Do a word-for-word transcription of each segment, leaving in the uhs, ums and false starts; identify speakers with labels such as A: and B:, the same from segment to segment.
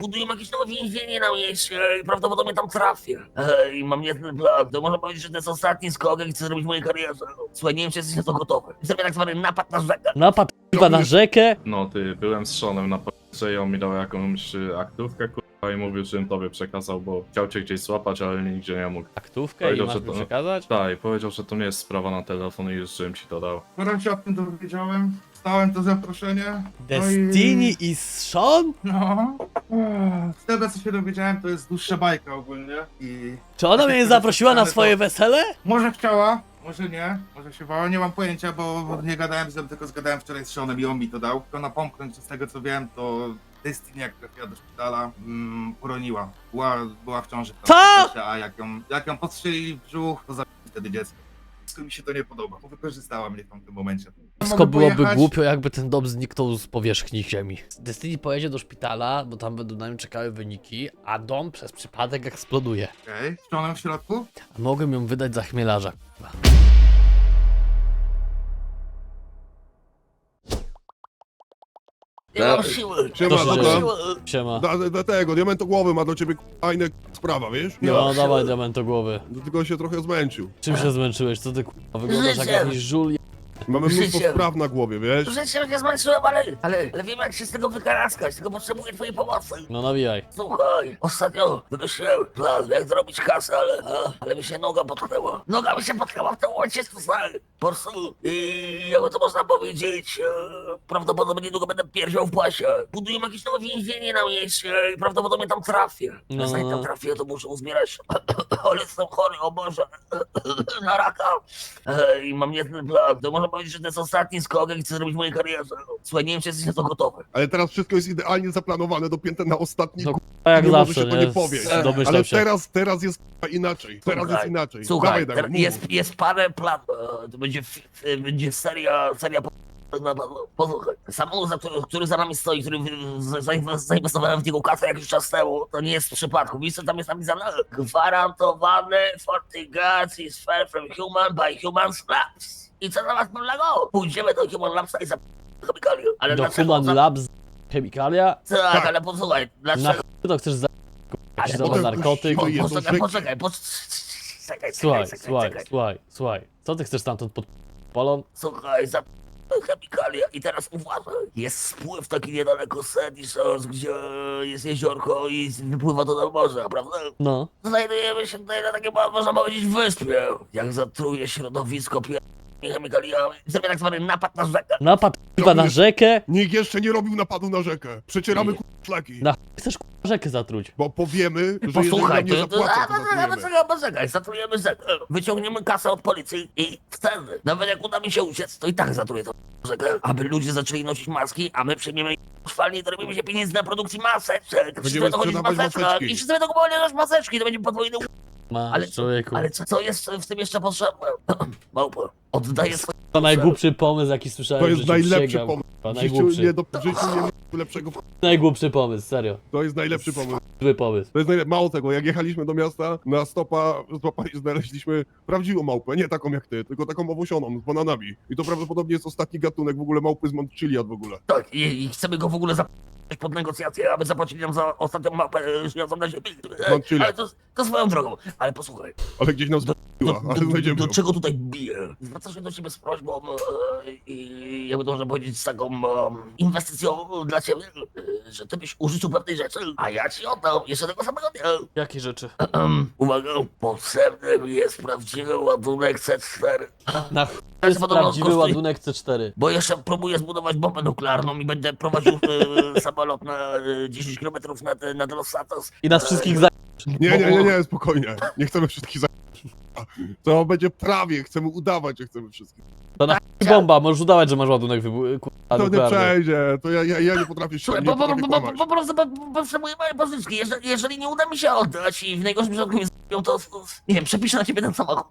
A: budują jakieś nowe więzienie na mieście i prawdopodobnie tam trafię. Ej, mam jeden plan. To można powiedzieć, że to jest ostatni skok, jaki chcę zrobić w mojej karierze. Słuchaj, nie wiem, czy jesteś na to gotowy. Zrobię tak zwany napad na rzekę.
B: Napad chyba na rzekę?
C: No ty, byłem z Seanem na policji i on mi dał jakąś y, aktówkę kurwa i mówił, żebym tobie przekazał, bo chciał cię gdzieś złapać, ale nigdzie nie mógł.
B: Aktówkę i
C: Powiedział,
B: masz
C: że
B: mi
C: to-
B: przekazać?
C: Tak, i powiedział, że to nie jest sprawa na telefon i już żebym ci to dał.
D: Skoro się o tym dowiedziałem, stałem to zaproszenie.
B: Destiny i Sean?
D: No. Z tego co się dowiedziałem, to jest dłuższa bajka ogólnie i...
B: Czy ona mnie zaprosiła na swoje wesele?
D: Może chciała, może nie, może się bała, nie mam pojęcia, bo nie gadałem z nią, tylko zgadałem wczoraj z Seanem i on mi to dał. Tylko napomknąć, że z tego co wiem, to Destiny jak trafiła do szpitala, mm, poroniła. Była, była w ciąży.
B: Co?
D: A jak ją, jak ją postrzelili w brzuch, to zabili wtedy dziecko. Wszystko mi się to nie podoba, bo wykorzystała mnie w tamtym momencie.
B: Wszystko
D: Mogę
B: byłoby
D: pojechać?
B: głupio, jakby ten dom zniknął z powierzchni ziemi. Destiny pojedzie do szpitala, bo tam będą na nim czekały wyniki, a dom przez przypadek eksploduje.
D: Okej, z Seanem w środku?
B: A mogłem ją wydać za chmielarza, k***a.
A: Nie mam siły.
E: Siema,
B: To się
E: dobra.
B: dzieje. Siema.
E: Da, da tego, diamentogłowy ma do ciebie fajna sprawa, wiesz?
B: No dawaj diament głowy.
E: No, tylko się trochę zmęczył.
B: Czym się zmęczyłeś? Co ty k***a? Wyglądasz jak
A: Życiem.
B: jakiś żul.
E: Mamy mnóstwo
A: Życiem.
E: spraw na głowie, wiesz?
A: Życiem się zmęczyłem, ale, ale, ale wiem jak się z tego wykaraskać, tylko potrzebuję twojej pomocy.
B: No nawijaj.
A: Słuchaj, ostatnio wymyśliłem plan, jak zrobić kasę, ale, a, ale mi się noga potknęła. Noga mi się potknęła w tym momencie, słuchaj. Po prostu, i jakby to można powiedzieć, e, prawdopodobnie niedługo będę pierdział w pasie. Budują jakieś nowe więzienie na mieście i prawdopodobnie tam trafię.
B: No,
A: No, zanim
B: no.
A: tam trafię, to muszę uzbierać, ale jestem chory, o Boże, na raka. E, I mam jeden plan, to można powiedzieć, że to jest ostatni skok, jaki chcę zrobić w mojej karierze. Słuchaj, nie wiem, czy jesteś na to gotowy.
E: Ale teraz wszystko jest idealnie zaplanowane, dopięte na ostatni
B: No,
E: no,
B: A jak
E: nie może
B: zawsze,
E: się to
B: nie?
E: nie powiedzieć.
B: Domyślam
E: Ale
B: się.
E: teraz, teraz jest k***a, inaczej. Teraz jest inaczej.
A: Słuchaj,
E: Dawaj, dawaj,
A: ter-
E: mów.
A: jest, jest parę planów. E, To będzie, fi- e, będzie seria, seria po- na pewno. Posłuchaj, samochód, za który, który za nami stoi, który w- za- zainwes- zainwestowałem w niego kasę jakiś czas temu, to nie jest z przypadku. Wiesz, co tam jest napisane? Gwarantowane fortygacji is fair from human by human labs. I co zamiast pewnego? Pójdziemy do Human Labsa i za chemikalię. Ale
B: Do
A: dlaczego?
B: Human
A: za-
B: Labs chemikalia?
A: Tak,
E: Tak.
A: ale posłuchaj,
B: Na
A: dlaczego?
B: ch... to chcesz za...
A: Ale
B: jakiś
E: potem
B: nowy narkotyk?
E: puściło je.
A: Poczekaj,
E: rzeki.
A: poczekaj, poczekaj. Czekaj,
B: Słuchaj,
A: czekaj,
B: słuchaj,
A: czekaj.
B: słuchaj, słuchaj. Co ty chcesz stamtąd pod polon?
A: Słuchaj, za chemikalia i teraz uważaj. Jest spływ taki niedaleko Sandy Shores, gdzie jest jeziorko i wypływa to do morza, prawda?
B: No.
A: Znajdujemy się tutaj na takiej, można powiedzieć, wyspie. Jak zatruje środowisko pier... chemikaliami, zrobię tak zwany napad na rzekę.
B: Napad chyba na rzekę?
E: Nikt jeszcze nie robił napadu na rzekę. Przecieramy k***a, szlaki.
B: Na ch... chcesz k***a rzekę zatruć?
E: Bo powiemy, że jeżeli
A: Posłuchaj,
E: nam nie
A: to, to,
E: zapłacą,
A: a,
E: to
A: a, a,
E: zatrujemy.
A: poczekaj, poczekaj, zatrujemy rzekę. Wyciągniemy kasę od policji i wtedy, nawet jak uda mi się uciec, to i tak zatruję to rzekę, aby ludzie zaczęli nosić maski, a my przyjmiemy szwalnie i dorobimy się pieniędzy na produkcji maseczek. Wszyscy
E: Będziemy
A: będą chodzić w
E: sprzedawać
A: maseczkach
E: maseczki.
A: i wszyscy będą kupować nasze maseczki, to będzie podwójny u-
B: Masz,
A: Ale,
B: człowieku.
A: ale co, co jest w tym jeszcze potrzebne? Małpa, oddaję swoje...
B: To najgłupszy pomysł, jaki słyszałem
E: To
B: w
E: jest
B: życiu,
E: najlepszy
B: przysięgam,
E: pomysł.
B: k***a,
E: W życiu
B: najgłupszy.
E: nie, do, w życiu nie ma lepszego.
B: Najgłupszy pomysł, serio.
E: To jest najlepszy pomysł.
B: Zły pomysł.
E: To jest najlepsze. Mało tego, jak jechaliśmy do miasta, na stopa złapali, znaleźliśmy prawdziwą małpę, nie taką jak ty, tylko taką owłosioną, z bananami. I to prawdopodobnie jest ostatni gatunek w ogóle małpy z Montchiliad w ogóle.
A: Tak, i, i chcemy go w ogóle zapisać pod negocjacje, aby zapłacili nam za ostatnią mapę e, żyjącą na ziemi. E,
E: Mam chwilę.
A: Ale to, to swoją drogą. Ale posłuchaj,
E: Ale gdzieś nas
A: do,
E: zbiła, ale
A: do,
E: znajdziemy
A: do
E: ją.
A: czego tutaj bije? Zwracam się do ciebie z prośbą e, i jakby to można powiedzieć z taką e, inwestycją dla ciebie, e, że ty byś użyczył pewnej rzeczy, a ja ci oddam jeszcze tego samego dnia.
B: Jakie rzeczy?
A: Uwaga, potrzebny mi jest prawdziwy ładunek C cztery.
B: Na ch...
A: Ja
B: jest
A: się podobno
B: prawdziwy
A: kosztuje-
B: ładunek C cztery.
A: Bo jeszcze próbuję zbudować bombę nuklearną i będę prowadził e, samolot na e, dziesięć kilometrów nad, nad Los Santos.
B: I nas wszystkich za...
E: Nie, nie, nie, nie, spokojnie. Nie chcemy wszystkich za... To będzie prawie, chcemy udawać, że chcemy wszystkich.
B: To na ch... bomba, możesz udawać, że masz ładunek wybu... k***a,
E: To nie
B: nuklearny.
E: przejdzie, to ja, ja, ja nie potrafię się,
A: Słuchaj,
E: nie
A: po, po,
E: potrafię
A: po, po,
E: kłamać.
A: po prostu po- po- potrzebuję mojej pożyczki. Jeżeli, jeżeli nie uda mi się oddać i w najgorszym przypadku mnie z***ą, to, to nie wiem, przepiszę na ciebie ten samochód.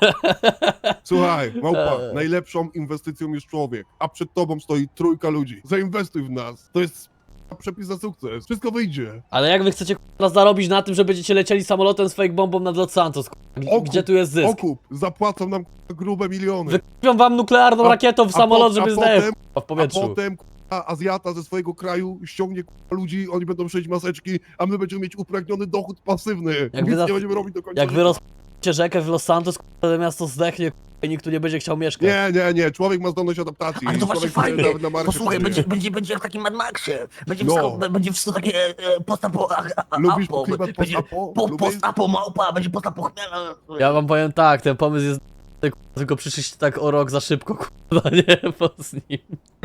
E: Słuchaj, małpa,
B: Eee.
E: najlepszą inwestycją jest człowiek, a przed tobą stoi trójka ludzi. Zainwestuj w nas. To jest przepis na sukces. Wszystko wyjdzie.
B: Ale jak wy chcecie k***a zarobić na tym, że będziecie lecieli samolotem z fake bombą nad Los Santos? k***a? G-
E: Okup,
B: Gdzie tu jest zysk?
E: Okup, zapłacą nam k***a, grube miliony.
B: Wykupią wam nuklearną
E: A-
B: rakietą w
E: a
B: samolot,
E: po-
B: żeby
E: a
B: zdejść
E: potem-
B: w powietrzu.
E: A potem k***a, k***a Azjata ze swojego kraju ściągnie k***a ludzi, oni będą szyć maseczki, a my będziemy mieć uprawniony dochód pasywny.
B: Jak
E: Nic
B: wy
E: nie będziemy robić do końca
B: Jak wy
E: życia.
B: rozp***cie rzekę w Los Santos, to miasto zdechnie i nikt tu nie będzie chciał mieszkać.
E: Nie, nie, nie, człowiek ma zdolność adaptacji.
A: Ale to właśnie
E: Człowiek
A: fajnie.
E: nawet na Marsie
A: Posłuchaj,
E: przeżyje.
A: będzie, będzie, będzie jak w takim Mad Maxie. Będzie,
E: No.
A: wszystko, będzie wszystko takie e, postapo... a- a-
E: Lubisz
A: apo.
E: klimat
A: Będzie
E: post-apo?
A: po,
E: Lubisz?
A: postapo małpa, będzie postapo chmiela.
B: Ja wam powiem tak, ten pomysł jest k***a, tylko przyszliście tak o rok za szybko, kurwa, nie? Po z nim.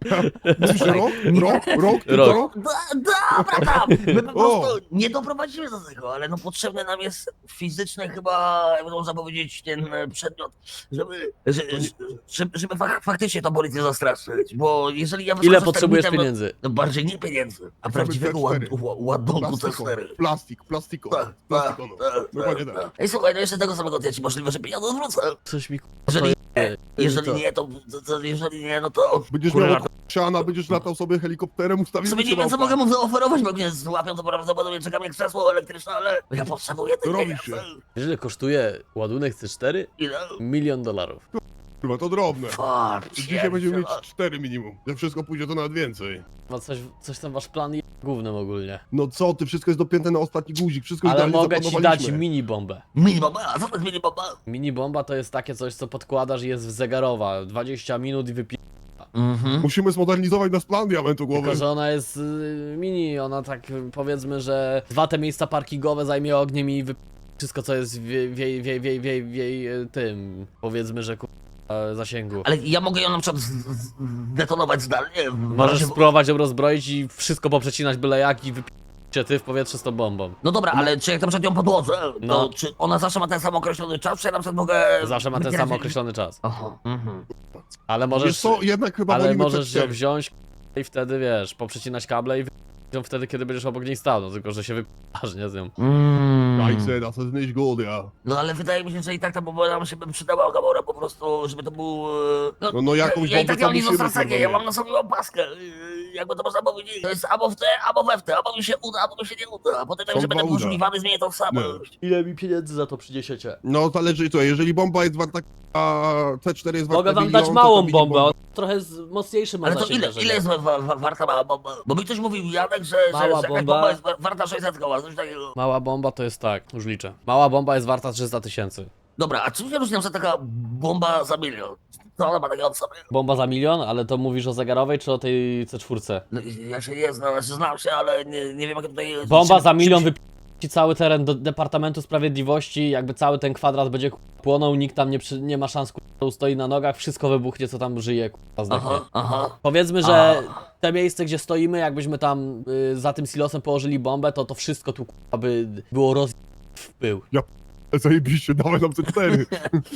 E: Rok? Rok? Rok? Tylko
B: Rok.
E: rok?
A: Da, dobra, tam. My po
E: O.
A: prostu nie doprowadzimy do tego, ale no potrzebny nam jest fizyczny chyba, jak można powiedzieć, ten e, przedmiot, żeby, że, żeby, żeby fak, faktycznie tą policję zastraszyć, bo jeżeli ja
B: Ile
A: wyskoczę z
B: potrzebujesz
A: termitem,
B: pieniędzy?
A: No bardziej nie pieniędzy, a
E: Chcemy
A: prawdziwego ład,
E: T cztery.
A: ła- ładunku T
E: Plastiko,
A: cztery.
E: plastik, plastiko,
A: Tak, tak,
E: plastikono.
A: tak,
E: Dokładnie
A: tak,
E: tak.
A: tak. Ej, słuchaj, no jeszcze tego samego dnia ci możliwe, że pieniądze zwrócę.
B: Coś mi k***a,
A: Jeżeli
B: to
A: nie,
B: je-
A: jeżeli
B: to-
A: nie, to, to, to jeżeli nie, no to...
E: Będziesz
A: kurwa,
E: miał siana, będziesz latał sobie helikopterem,
A: w
E: ustawimy
A: sumie nie
E: cię
A: wiem, co
E: małpa.
A: mogę mu zaoferować, bo mnie złapią, to prawdopodobnie czeka mnie krzesło elektryczne, ale ja potrzebuję tych
E: Robi
A: pieniędzy.
E: się.
B: Wiesz, ile kosztuje ładunek C cztery?
A: Ile?
B: Milion dolarów.
E: Kurwa, to drobne.
A: Fuck,
E: Dzisiaj będziemy mieć
A: pierdziele.
E: cztery minimum. Jak wszystko pójdzie, to nawet więcej.
B: Ma coś, coś tam wasz plan jest głównym ogólnie.
E: No co ty, wszystko jest dopięte na ostatni guzik, wszystko
B: Ale
E: idealnie
B: mogę ci dać
E: zaplanowaliśmy.
B: mini bombę.
A: Mini bomba, a co to jest mini bomba?
B: Mini bomba to jest takie coś, co podkładasz i jest zegarowa. dwadzieścia minut i wypi...
A: Mhm.
E: Musimy zmodernizować nasz plan diamentu głowy.
B: Tylko, że ona jest y, mini, ona tak y, powiedzmy, że dwa te miejsca parkingowe zajmie ogniem i wypi... wszystko co jest w jej, w jej, w jej, w jej, w jej, w jej y, tym, powiedzmy, że ku... e, zasięgu.
A: Ale ja mogę ją na przykład z- z- zdetonować zdalnie? w
B: Możesz
A: razie-
B: spróbować ją rozbroić i wszystko poprzecinać byle jak i wypi... ty w powietrze z tą bombą.
A: No dobra, ale czy jak na przykład ją podłożę, to
B: No.
A: czy ona zawsze ma ten sam określony czas, czy ja na przykład mogę...
B: Zawsze ma ten
A: wycierać-
B: sam określony czas.
A: Aha. Mhm.
B: Ale
E: Wiesz
B: możesz,
E: co, jednak chyba
B: ale
E: wolimy
B: możesz
E: te
B: ją
E: cztery.
B: wziąć i wtedy wiesz, poprzecinać kable i wy- ją wtedy, kiedy będziesz obok niej stał, no tylko, że się wypasz, nie z nią.
A: Mm.
E: Kajce, das ist nicht gut, ja.
A: No ale wydaje mi się, że i tak ta bomba nam się by przydała Gamora po prostu, żeby to był... e,
E: No, no jakąś
A: ja, ja i
E: bombę
A: tak ja
E: tam
A: nie
E: musimy
A: zostawię, ja
E: normalnie.
A: mam na sobie opaskę, e, jakby to można powiedzieć. To jest albo w te, albo we w te, albo mi się uda, albo mi się nie uda, a potem
E: Są
A: jak że będę
E: dwa uda.
A: poszukiwany, zmienię tą samość.
B: Ile mi pieniędzy za to przyniesiecie?
E: No zależy co, jeżeli bomba jest warta, a C cztery jest warta
B: Mogę wam
E: milion,
B: dać
E: to
B: małą
E: mini
B: bombę,
E: bomba-
B: on trochę z, mocniejszy ma
A: Ale to
B: zasięg
A: ile,
B: wrażenia.
A: ile jest wa, wa, warta mała bomba? Bo mi ktoś mówił, Janek, że, że,
B: Mała
A: że jakaś
B: bomba?
A: bomba jest wa- warta sześćset koła, coś takiego.
B: Mała bomba to jest tak, już liczę. Mała bomba jest warta trzysta tysięcy.
A: Dobra, a czym się różni na przykład taka bomba za milion? Co ona ma takiego od sobie?
B: Bomba za milion, ale to mówisz o zegarowej czy o tej C cztery?
A: No, ja się nie znam, znaczy znam się, ale nie, nie wiem jak tutaj...
B: Bomba
A: czym-
B: za milion
A: czym-
B: wypi... ci cały teren do Departamentu Sprawiedliwości, jakby cały ten kwadrat będzie k- płonął, nikt tam nie, przy... nie ma szans, k- stoi na nogach, wszystko wybuchnie, co tam żyje, k- zdechnie.
A: Aha, aha.
B: Powiedzmy, że
A: A.
B: te miejsce, gdzie stoimy, jakbyśmy tam y, za tym silosem położyli bombę, to to wszystko tu k- by było roz... w pył.
E: Zajebiście, dawaj nam C cztery.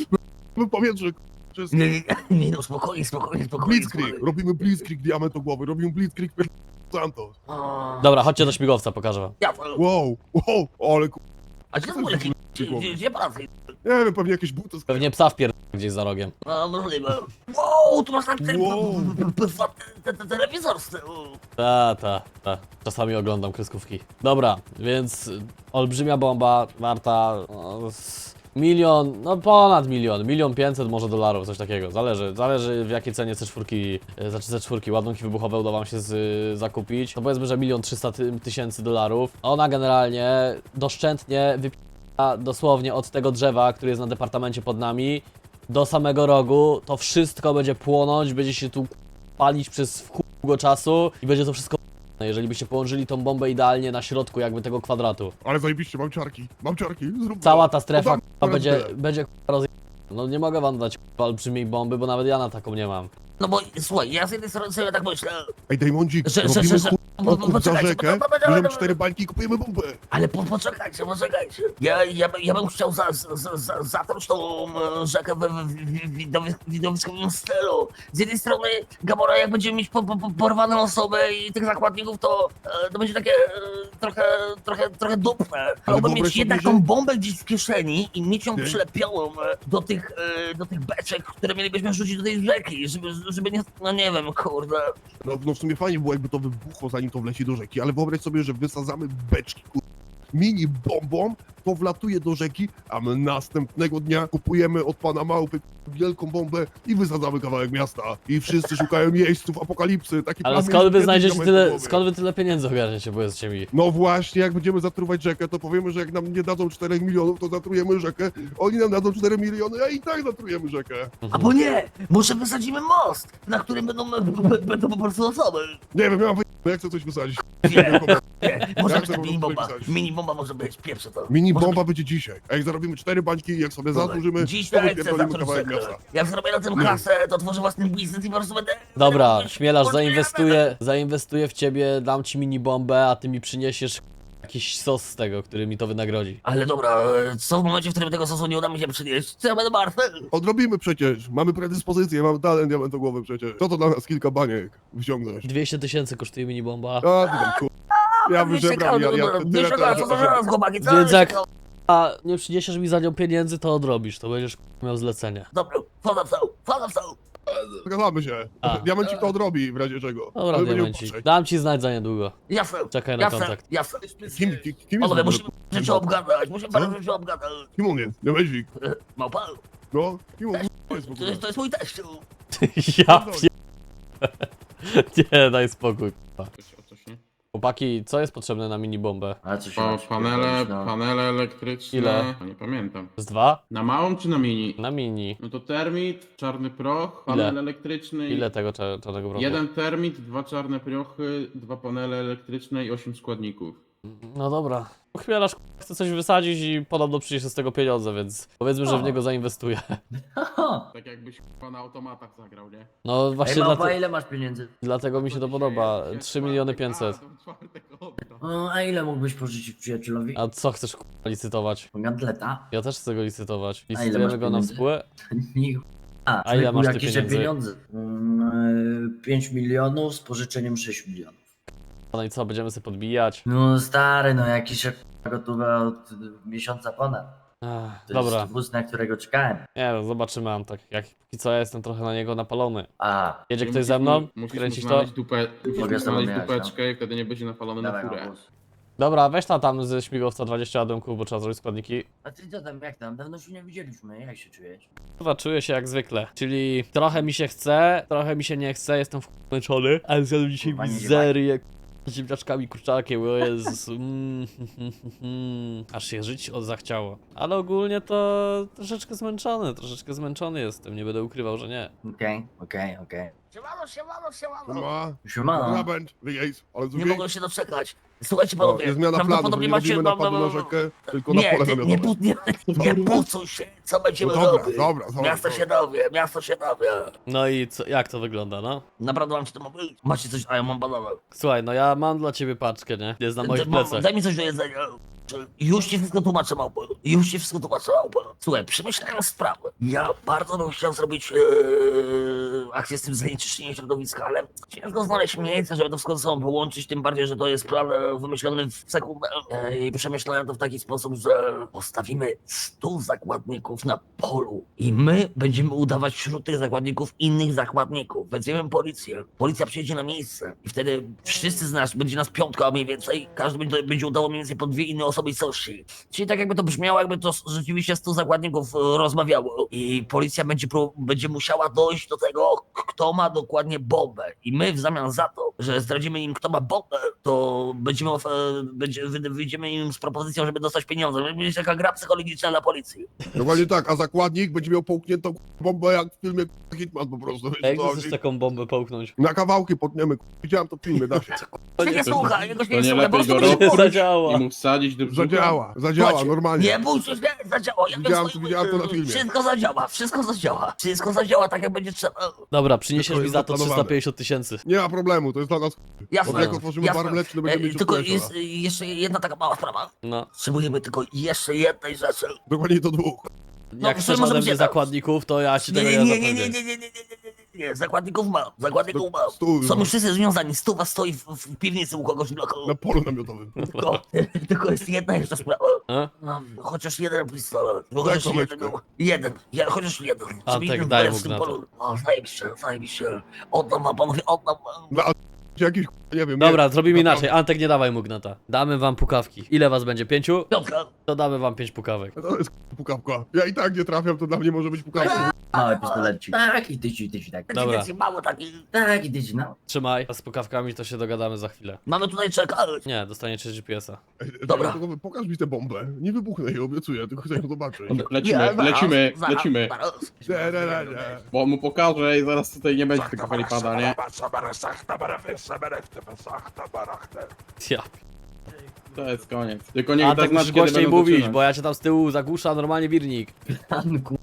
E: No powietrze, wszystko.
A: Nie, nie, nie, nie, no spokojnie, spokojnie, spokojnie.
E: Blitzkrieg, robimy Blitzkrieg diamentogłowy, robimy Blitzkrieg Santos.
A: A,
B: Dobra, chodźcie do śmigłowca, pokażę wam.
A: ja,
E: Wow, wow, ale ku...
A: a gdzie to był leki? Gdzie, gdzie, gdzie pracy?
E: Nie wiem, pewnie jakieś buty z...
B: Pewnie psa wpier... gdzieś za rogiem.
A: No, możliwe. Wow, tu masz tak ten
E: Wow.
A: p- p- te- te- telewizor z tyłu.
B: Ta, ta, ta. Czasami oglądam kreskówki. Dobra, więc y, olbrzymia bomba, warta no, z milion, no ponad milion, milion pięćset może dolarów, coś takiego. Zależy, zależy w jakiej cenie C cztery, y, znaczy C cztery, ładunki wybuchowe uda wam się z, y, zakupić. To powiedzmy, że milion trzysta tysięcy dolarów. Ona generalnie doszczętnie wypija dosłownie od tego drzewa, który jest na departamencie pod nami, do samego rogu. To wszystko będzie płonąć, będzie się tu palić przez w chuj długo czasu i będzie to wszystko p***ne, jeżeli byście położyli tą bombę idealnie na środku jakby tego kwadratu.
E: Ale zajebiście, mam ciarki, mam ciarki, zrób
B: Cała
E: to.
B: ta strefa
E: Podam
B: k***a, będzie,
E: rękę.
B: będzie k***a, roz... No nie mogę wam dać k***a, olbrzymiej bomby, bo nawet ja na taką nie mam.
A: No bo słuchaj, ja z jednej strony sobie tak myślę,
E: Ej, Dejmondzik,
A: że, że,
E: robimy
A: że, że
E: kur...
A: bo- bo-
E: okup za
A: poczekajcie,
E: rzekę,
A: bo- bo- bo-
E: bierzemy
A: bo-
E: cztery bańki i kupujemy bombę.
A: ale po, poczekajcie, poczekajcie. Ja, ja, by- ja bym chciał za, za, za, zatruć tą e, rzekę w, w, w widowi- widowiskowym stylu. Z jednej strony Gamora, jak będziemy mieć po, po, po, porwaną osobę i tych zakładników, to, e, to będzie takie e, trochę, trochę, trochę dupne. Chciałbym
E: wyobraź
A: mieć
E: sobie,
A: jednak
E: że-
A: tą bombę gdzieś w kieszeni i mieć ją
E: Nie.
A: przylepioną e, do tych, e, do tych beczek, które mielibyśmy rzucić do tej rzeki, żeby, żeby nie, no nie wiem, kurde.
E: No, no w sumie fajnie było, jakby to wybuchło, zanim to wleci do rzeki, ale wyobraź sobie, że wysadzamy beczki, kur... mini bombą, to wlatuje do rzeki, a my następnego dnia kupujemy od pana Małpy wielką bombę i wysadzamy kawałek miasta. I wszyscy szukają jeźdźców apokalipsy. Taki
B: Ale
E: plan
B: skąd wy
E: mieliśmy
B: znajdziecie
E: kiedyś na
B: tyle,
E: głowie.
B: skąd wy tyle pieniędzy ogarniecie, powiedzcie mi?
E: No właśnie, jak będziemy zatruwać rzekę, to powiemy, że jak nam nie dadzą czterech milionów, to zatrujemy rzekę. Oni nam dadzą cztery miliony, a i tak zatrujemy rzekę.
A: Albo nie, może wysadzimy most, na którym będą, będą po prostu osoby.
E: Nie wiem, ja mam wy... jak chcę coś wysadzić.
A: Nie, nie, może
E: Ja
A: być
E: chcę
A: ta
E: po
A: mini
E: prostu
A: bomba.
E: wypisać.
A: Mini bomba może być, pierwsze to.
E: Mini
A: Może
E: bomba będzie dzisiaj. A jak zarobimy cztery bańki, jak sobie
A: Dobra,
E: zasłużymy,
A: dziś
E: to
A: tak chcę
E: wypierdolimy
A: zatruć
E: kawałek
A: rzekę.
E: miasta.
A: Jak zrobię na tym kasę, to tworzę własny biznes i po prostu będę...
B: Dobra,
A: będę-
B: śmielarz,
A: będę-
B: zainwestuję, zainwestuję w ciebie, dam ci mini bombę, a ty mi przyniesiesz jakiś sos z tego, który mi to wynagrodzi.
A: Ale dobra, co w momencie, w którym tego sosu nie uda mi się przynieść? Co ja będę martwy?
E: Odrobimy przecież. Mamy predyspozycję, mamy talent diamentogłowy przecież. Co to dla nas kilka baniek wyciągnąć?
B: dwieście tysięcy kosztuje mini bomba.
E: A, ty tam kur... Ja wyżebram, ja, ja tyle
A: Wiesz,
E: teraz...
A: co to zaraz, chłopaki, co?
B: Więc jak a nie przyniesiesz mi za nią pieniędzy, to odrobisz, to będziesz miał zlecenie.
A: Dobra, wchodzę w cał, wchodzę w cał.
E: Zgadzamy się.
B: A.
E: Diamencik to odrobi w razie czego.
B: Dobra,
E: Ale będziemy
B: diamencik.
E: patrzeć.
B: Dam ci znać za niedługo.
A: Jasne,
B: Czekaj na
A: jasne,
B: kontakt.
A: jasne.
E: Kim, kim, kim jest
A: Panowie,
E: w ogóle?
A: musimy rzeczy obgadać, musimy
E: Co?
A: parę rzeczy obgadać.
E: Kim on jest? Diamencik.
A: Małpa,
E: No, kim on jest w
A: to
E: ogóle?
A: jest, to jest mój teściu.
B: Ja pie... Nie, daj spokój. k***a.
F: Coś, o coś, nie?
B: Chłopaki, co jest potrzebne na mini bombę?
G: Ale co się
F: Pa,
G: ma
F: panele,
G: przypierdolić, no.
F: panele elektryczne.
B: Ile?
F: A nie pamiętam.
B: Z dwa?
F: Na małą czy na mini?
B: Na mini.
F: No to termit, czarny proch, panel elektryczny.
B: Ile tego cza- czarnego prochu?
F: Jeden termit, dwa czarne prochy, dwa panele elektryczne i osiem składników.
B: No dobra. Chmielasz k***a, chce coś wysadzić i podobno przyniesie z tego pieniądze, więc powiedzmy, że w
G: O.
B: niego zainwestuję.
G: Haha.
F: Tak jakbyś k***a na automatach zagrał, nie?
B: No
G: Ej,
B: właśnie
G: małpa,
B: dlate...
G: ile masz pieniędzy?
B: dlatego mi się to
F: dzisiaj
B: podoba.
F: jest
B: trzy miliony
F: czwartek,
B: pięćset.
F: a, to czwartek oddam.
G: O, a ile mógłbyś pożyczyć przyjacielowi?
B: A co chcesz k***a, licytować?
G: Gantleta?
B: Ja też chcę go licytować.
G: ile
B: Licytujemy
G: masz
B: go na
G: pieniędzy?
B: współę?
G: Nie. A,
B: A ile masz ty
G: jakieś
B: pieniędzy?
G: pieniądze? Mm, pięć milionów z pożyczeniem sześć milionów.
B: No i co, będziemy sobie podbijać?
G: No stary, no jakieś k***a, gotowe od miesiąca ponad.
B: Ach,
G: To
B: dobra.
G: jest wóz, na którego czekałem.
B: Nie no, zobaczymy, mam tak. Jak póki co ja jestem trochę na niego napalony.
G: A,
B: Jedzie
F: I
B: ktoś
F: musisz
B: ze mną?
F: mu- musisz mu
B: Kręcić to?
F: znaleźć Dupę, musisz
G: Mogę
F: mu
G: z tobą
F: znaleźć
G: jechać, no.
F: dupeczkę i wtedy nie będzie napalony na
G: dawaj
F: furę.
G: wóz.
B: Dobra, weź ta tam ze śmigłowca dwadzieścia ładunków, bo trzeba zrobić składniki.
G: A ty co tam, jak tam? Dawno się nie widzieliśmy, jak się czujesz?
B: Chyba czuję się jak zwykle. Czyli trochę mi się chce, trochę mi się nie chce, jestem wmęczony, ale zjadłem dzisiaj
G: Kurwa, nie
B: mizerię z ziemniaczkami, kurczakiem, o Jezus. Mm, aż się żyć od zachciało. Ale ogólnie to troszeczkę zmęczony, troszeczkę zmęczony jestem, nie będę ukrywał, że nie.
G: Okej, okej, okej.
A: Siemano, siemano, siemano.
E: Ma,
G: Siemano.
E: Rabent, wyjazd, ale
A: Nie
E: drugiej...
A: mogę się doczekać. Słuchajcie
E: O,
A: panowie,
E: jest zmiana planu, to
A: prawdopodobnie
E: nie
A: macie...
E: robimy napadu
A: ma-
E: na
A: ma-
E: rzekę, tylko na
A: Nie,
E: pole
A: ty-
E: namiotowe.
A: nie, pu- nie, nie pucuj się, co będziemy
E: No dobra,
A: robić.
E: dobra, dobra,
A: Miasto
E: dobra.
A: się dowie, miasto się dowie.
B: No i co, jak to wygląda, no?
A: Naprawdę mam ci to mówić? Macie coś, a ja mam banana.
B: Słuchaj, no ja mam dla ciebie paczkę, nie? Jest na moich
A: Daj- mam-
B: plecach.
A: Daj mi coś do jedzenia. Już ci wszystko tłumaczę, małpo. Już ci wszystko tłumaczę, małpo. Słuchaj, przemyślałem sprawę. Ja bardzo bym chciał zrobić ee, akcję z tym zanieczyszczeniem środowiska, ale ciężko znaleźć miejsce, żeby to wszystko ze sobą połączyć, tym bardziej, że to jest plan e, wymyślony w sekundę. E, I przemyślałem to w taki sposób, że postawimy stu zakładników na polu i my będziemy udawać wśród tych zakładników innych zakładników. Wezwiemy policję. Policja przyjedzie na miejsce i wtedy wszyscy z nas, będzie nas piątka mniej więcej, każdy będzie, będzie udało mniej więcej po dwie inne osobistości. Czyli tak jakby to brzmiało, jakby to rzeczywiście stu zakładników e, rozmawiało i policja będzie, pró- będzie musiała dojść do tego, k- kto ma dokładnie bombę. I my w zamian za to, że zdradzimy im, kto ma bombę, to będziemy, of- e, będzie, wy- wyjdziemy im z propozycją, żeby dostać pieniądze. Będzie być taka gra psychologiczna dla policji.
E: Dokładnie tak, a zakładnik będzie miał połkniętą bombę jak w filmie Hitman po prostu. wiesz,
B: Jak
E: co
B: chcesz
E: chodzi?
B: taką bombę połknąć?
E: Na kawałki potniemy, widziałem to w filmie, da się.
A: Się nie słucha, jego się
F: To
A: nie
F: nie
A: słucha, po
F: lepiej
A: prostu
F: go
A: będzie
F: robić?
A: mówić.
B: Zadziała.
F: I mu wsadzić do brzucha?
E: Zadziała, zadziała,
A: Chodź,
E: normalnie.
A: Nie bój się, nie, zadziała. Ja
E: Widziałem-
A: to-
E: widziałem to na filmie.
A: Wszystko zadziała, wszystko zadziała. Wszystko zadziała tak, jak będzie trzeba.
B: Dobra, przyniesiesz
E: Tylko
B: mi
E: jest
B: za to
E: zaplanowane.
B: trzysta pięćdziesiąt tysięcy.
E: Nie ma problemu, to jest dla nas...
A: Jasne.
E: Od jak otworzymy
A: jasne.
E: bar mleczny, będziemy
A: E,
E: mieć
A: Tylko
E: odpłeszcza.
A: jest e, jeszcze jedna taka mała sprawa.
B: No.
A: Potrzebujemy tylko jeszcze jednej rzeczy.
E: Dokładnie to dwóch.
A: No,
B: Jak
A: to
B: chcesz
A: może
B: ode
A: być
B: mnie
A: jedna.
B: zakładników, to ja ci
A: Nie,
B: tego
A: nie,
B: nie
A: nie, nie, nie,
B: zapewnię.
A: nie, nie, nie, nie, nie, nie, nie. Zakładników mam, zakładników mam.
E: Stój,
A: Są
E: no.
A: już wszyscy związani, stuwa stoi w, w piwnicy u kogoś w bloku.
E: Na polu namiotowym.
A: Tylko, tylko jest jedna jeszcze sprawa.
B: A?
A: No, chociaż jeden pistolet. Bo
E: Daj
A: chociaż jeden,
E: komeczkę.
A: jeden, ja, chociaż jeden.
B: A,
A: Żeby
B: tak,
A: jeden
B: daj
A: był
B: mu
A: w tym
B: gnata.
A: polu. O, zajebiście, zajebiście. Oddam wam, panowie, oddam wam.
E: Dla jakiś, nie wiem,
B: Dobra,
E: nie,
B: zrobimy
E: naprawdę.
B: inaczej. Antek, nie dawaj mu gnata. Damy wam pukawki. Ile was będzie? Pięciu?
A: Piątka.
B: To damy wam pięć pukawek.
E: To jest pukawka. Ja i tak nie trafiam, to dla mnie może być pukawka.
G: Małe pistolecik. Tak, i tyci, tyci, tak.
B: Dobra.
A: Będzie mało taki.
G: Tak, i tyci, no.
B: Trzymaj. A z pukawkami to się dogadamy za chwilę.
A: Mamy tutaj czekać.
B: Nie, dostaniecie G P S-a.
E: Ej,
A: Dobra.
E: tylko pokaż mi tę bombę. Nie wybuchnę jej, obiecuję, tylko chcę ją zobaczyć.
F: Lecimy,
A: zaraz,
F: lecimy,
A: zaraz,
F: lecimy.
A: zaraz.
E: Nie, nie, nie, nie.
F: Bo mu pokażę i zaraz tutaj nie będzie tego helipada, nie?
B: Ja.
F: To jest koniec. Tylko niech
B: Antek,
F: da znać,
B: musisz
F: kiedy
B: głośniej
F: będą
B: mówić,
F: zaczynać.
B: bo ja cię tam z tyłu zagłusza normalnie wirnik.
G: Pan ku...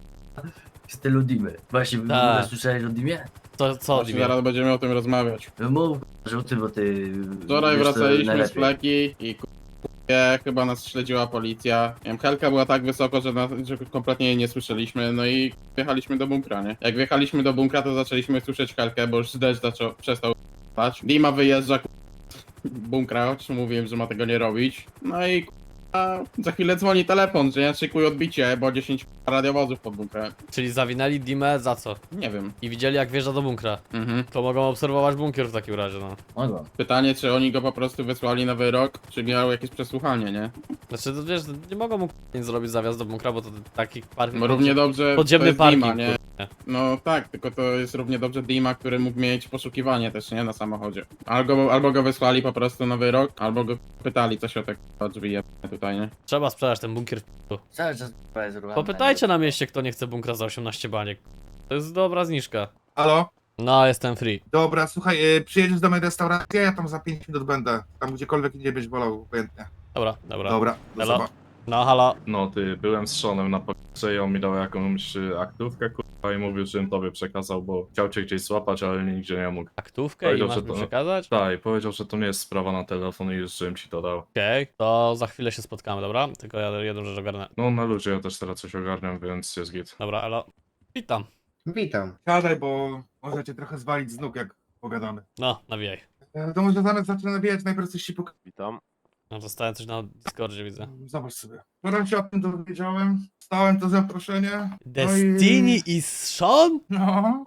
G: w stylu Dimy. Właśnie w
B: Tak.
G: ogóle słyszałeś o Dimie?
B: To co,
F: Właśnie
B: Dimie?
F: zaraz będziemy o tym rozmawiać.
G: Mów, że ty, bo ty...
F: Wczoraj
G: wiesz co
F: wracaliśmy z
G: najlepiej.
F: fleki i k***e, chyba nas śledziła policja. Nie wiem, Helka była tak wysoko, że, na, że kompletnie jej nie słyszeliśmy, no i wjechaliśmy do bunkra, nie? Jak wjechaliśmy do bunkra, to zaczęliśmy słyszeć Helkę, bo już deszcz zaczął, przestał spać. Dima wyjeżdża k***, bunkra, o czym mówiłem, że ma tego nie robić. No i k***a, za chwilę dzwoni telefon, że ja szykuję odbicie, bo dziesięć radiowozów pod bunkrem.
B: Czyli zawinęli Dimę za co?
F: Nie wiem.
B: I widzieli jak wjeżdża do bunkra.
F: Mhm.
B: To mogą obserwować bunkier w takim razie, no.
G: Mogą.
F: Pytanie, czy oni go po prostu wysłali na wyrok, czy miało jakieś przesłuchanie, nie?
B: Znaczy, to wiesz, nie mogą mu nic zrobić zawiast do bunkra, bo to taki parking...
F: No równie dobrze
B: Podziemny
F: to jest
B: parking,
F: Dima, nie?
B: kurde.
F: No tak, tylko to jest równie dobrze Dima, który mógł mieć poszukiwanie też, nie? Na samochodzie. Albo, albo go wysłali po prostu na wyrok, albo go pytali, co się o te k***a drzwi jebane tutaj, nie?
B: Trzeba sprzedać ten bunkier w p***u.
G: Cały czas k***a jest urwane.
B: Popytajcie na mieście, kto nie chce bunkra za osiemnaście baniek. To jest dobra zniżka.
D: Halo?
B: No, jestem free.
D: Dobra, słuchaj, y, przyjedziesz do mojej restauracji, ja tam za pięć minut będę. Tam gdziekolwiek indziej byś wolał, obojętnie.
B: Dobra, dobra.
D: Dobra, do
B: Elo.
D: zobaczenia.
B: No, halo.
C: No ty, byłem z Seanem na policji i on mi dał jakąś y, aktówkę, kurwa, i mówił, żebym tobie przekazał, bo chciał cię gdzieś złapać, ale nigdzie nie mógł.
B: Aktówkę i
C: Powiedział,
B: masz
C: że
B: mi
C: to-
B: przekazać?
C: Tak, i powiedział, że to nie jest sprawa na telefon i już żebym ci to dał.
B: Okej, to za chwilę się spotkamy, dobra? Tylko ja jedną rzecz ogarnę.
C: No na ludzie ja też teraz coś ogarniam, więc jest git.
B: Dobra, elo. Witam.
H: Witam.
D: Siadaj, bo może cię trochę zwalić z nóg, jak pogadamy.
B: No, nawijaj.
D: E, To może zamiast zacznę nawijać, najpierw coś ci pokażę.
H: Witam.
B: No, dostałem coś na Discordzie, widzę.
D: Zobacz sobie. Wczoraj się o tym dowiedziałem, stałem to zaproszenie. No
B: Destiny
D: i...
B: i Sean?
D: No.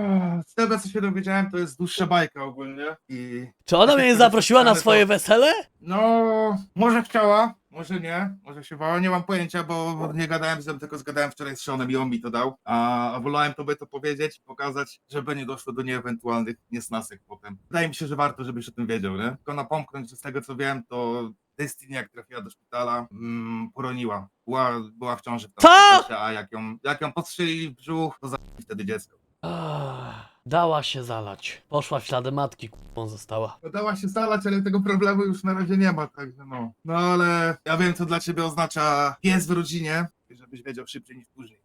D: Z tego co się dowiedziałem, to jest dłuższa bajka ogólnie i...
B: Czy ona mnie zaprosiła na swoje wesele?
D: No, może chciała, może nie, może się bała, nie mam pojęcia, bo nie gadałem z nią, tylko zgadałem wczoraj z Seanem i on mi to dał, a, a wolałem tobie to powiedzieć, pokazać, żeby nie doszło do nieewentualnych niesnasek potem. Wydaje mi się, że warto, żebyś o tym wiedział, nie? Tylko napomknąć, że z tego co wiem, to Destiny jak trafiła do szpitala, mm, poroniła, była, była w ciąży w
B: Co?
D: tamtym czasie, a jak ją, jak ją postrzelili w brzuch, to zabili wtedy dziecko.
B: Ach, dała się zalać. Poszła w ślady matki, kupą została.
D: Dała się zalać, ale tego problemu już na razie nie ma, także no. No ale ja wiem, co dla ciebie oznacza pies w rodzinie, żebyś wiedział szybciej niż później.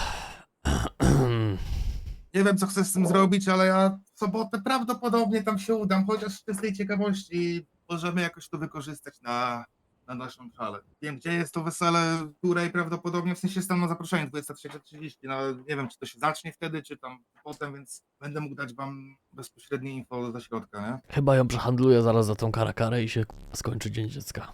D: Nie wiem, co chcę z tym zrobić, ale ja w sobotę prawdopodobnie tam się udam, chociaż z tej ciekawości możemy jakoś to wykorzystać na, na naszą szalę. Wiem, gdzie jest to wesele, której prawdopodobnie, w sensie jestem na zaproszeniu dwudziesta trzecia trzydzieści, no nie wiem, czy to się zacznie wtedy, czy tam potem, więc będę mógł dać wam bezpośrednie info ze środka, nie?
B: Chyba ją przehandluję zaraz za tą karakarę i się k***a, skończy dzień dziecka.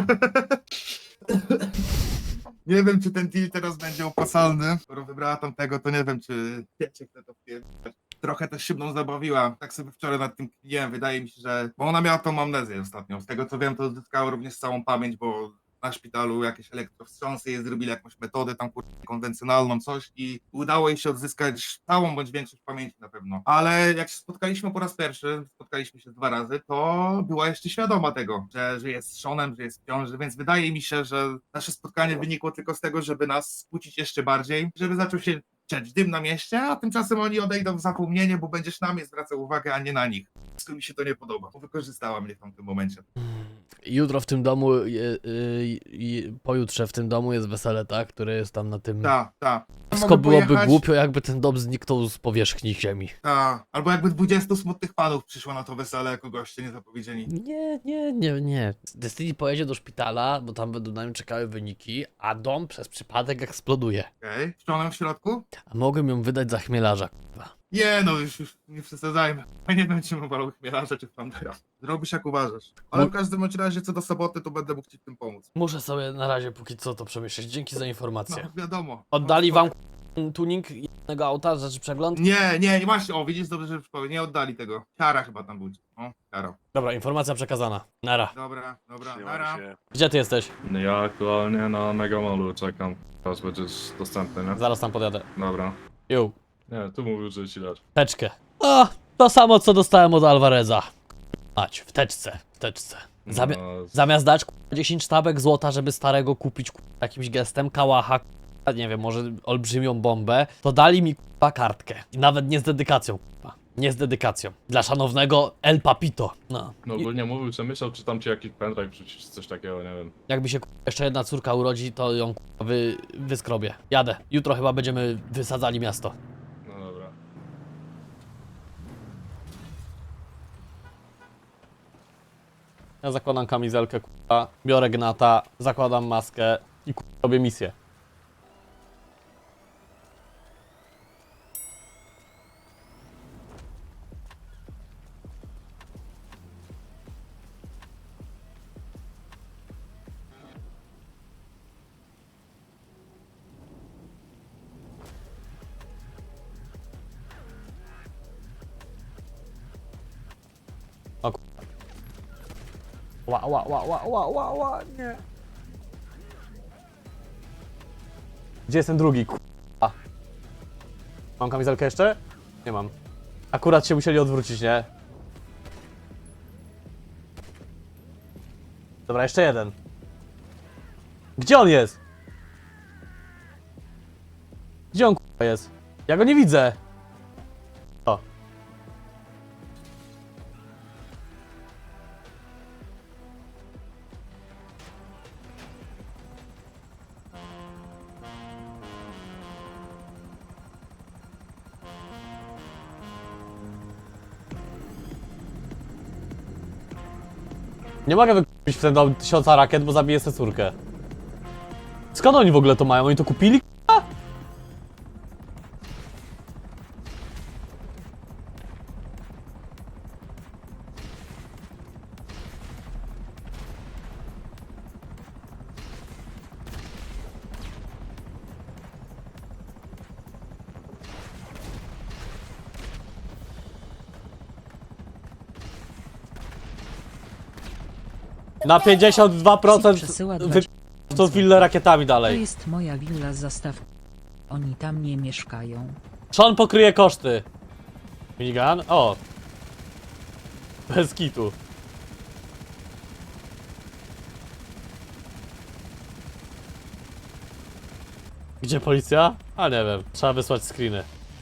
D: Nie wiem, czy ten deal teraz będzie opłacalny. Skoro wybrała tamtego, to nie wiem, czy wiecie, kto to wpierdać. Trochę też się mną zabawiła. Tak sobie wczoraj nad tym kminiłem. Wydaje mi się, że... Bo ona miała tą amnezję ostatnio. Z tego co wiem, to odzyskała również całą pamięć, bo na szpitalu jakieś elektrowstrząsy jej zrobili jakąś metodę tam kur... konwencjonalną, coś i udało jej się odzyskać całą bądź większość pamięci na pewno. Ale jak się spotkaliśmy po raz pierwszy, spotkaliśmy się dwa razy, to była jeszcze świadoma tego, że, że jest z Seanem, że jest w ciąży, więc wydaje mi się, że nasze spotkanie wynikło tylko z tego, żeby nas skłócić jeszcze bardziej, żeby zaczął się ciać dym na mieście, a tymczasem oni odejdą w zapomnienie, bo będziesz na mnie zwracał uwagę, a nie na nich. Wszystko mi się to nie podoba, bo wykorzystała mnie w tamtym momencie.
B: Jutro w tym domu, y, y, y, pojutrze w tym domu jest wesele, tak? Które jest tam na tym...
D: Ta, ta.
B: Wszystko
D: Mogę
B: byłoby
D: pojechać.
B: głupio, jakby ten dom zniknął z powierzchni ziemi.
D: Ta. Albo jakby dwudziestu smutnych panów przyszło na to wesele jako goście niezapowiedzieni.
B: Nie, nie, nie, nie. Destiny pojedzie do szpitala, bo tam będą na nim czekały wyniki, a dom przez przypadek eksploduje.
D: Okej. Okay. Ściąłem w środku?
B: A mogłem ją wydać za chmielarza, k***a.
D: Nie no, już, już nie przesadzajmy. Ja nie wiem, czy mu walał chmielarza, czy Flandera. Zrobisz jak uważasz. Ale w każdym bądź razie co do soboty, to będę mógł ci w tym pomóc.
B: Muszę sobie na razie póki co to przemyśleć. Dzięki za informację.
D: No wiadomo.
B: Oddali wam k***, tuning tego auta, rzeczy przegląd?
D: Nie, nie, nie właśnie, o widzisz, dobrze, że przypomnę, nie oddali tego. Kara chyba tam był. O, kara.
B: Dobra, informacja przekazana. Nara.
D: Dobra, dobra, nara.
B: Gdzie ty jesteś?
C: Ja aktualnie na Megamolu czekam. Teraz będziesz dostępny, nie?
B: Zaraz tam podjadę.
C: Dobra.
B: Ju.
C: Nie, tu mówił, że ci dać.
B: Teczkę. A, to samo co dostałem od Alvareza. Mać, w teczce, w teczce. Zamia
C: No,
B: zamiast dać k***a, dziesięć sztabek złota, żeby starego kupić k***a, jakimś gestem, kałacha, k***a, nie wiem, może olbrzymią bombę, to dali mi k***a, kartkę. I nawet nie z dedykacją, k***a. Nie z dedykacją. Dla szanownego El Papito. No.
C: no
B: I
C: ogólnie mówił, że myślał, czy tam ci jakiś pendrive wrzucić, czy coś takiego, nie wiem.
B: jakby się k***a, jeszcze jedna córka urodzi, to ją k***a, wy wyskrobię. Jadę. Jutro chyba będziemy wysadzali miasto.
C: No dobra.
B: Ja zakładam kamizelkę, k***a, biorę gnata, zakładam maskę i k***a, robię misję. O k***a. Ła, ła, ła, ła, ła, ła, ła, nie. Gdzie jest ten drugi, k***a? Mam kamizelkę jeszcze? Nie mam. Akurat się musieli odwrócić, nie? Dobra, jeszcze jeden. Gdzie on jest? Gdzie on k***a jest? Ja go nie widzę. O. Nie mogę wykupić w ten dom tysiąca rakiet, bo zabiję sobie córkę. Skąd oni w ogóle to mają? Oni to kupili? k***a? Na pięćdziesiąt dwa procent
H: Przesyła
B: wy...
H: dwadzieścia
B: to willę rakietami
H: To
B: dalej.
H: jest moja willa, zastaw. Oni tam nie mieszkają.
B: Sean pokryje koszty. Minigun? O. Bez kitu. Gdzie policja? A nie wiem, trzeba wysłać screeny.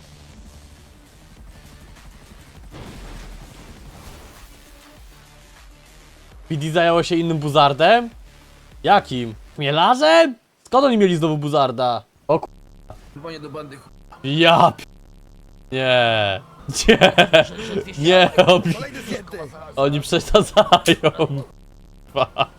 B: P D zajęło się innym buzardem? Jakim? Chmielarzem? Skąd oni mieli znowu buzarda? O k***a. Ja p... Nie. Nie. Nie. Oni, oni przesadzają. k***a.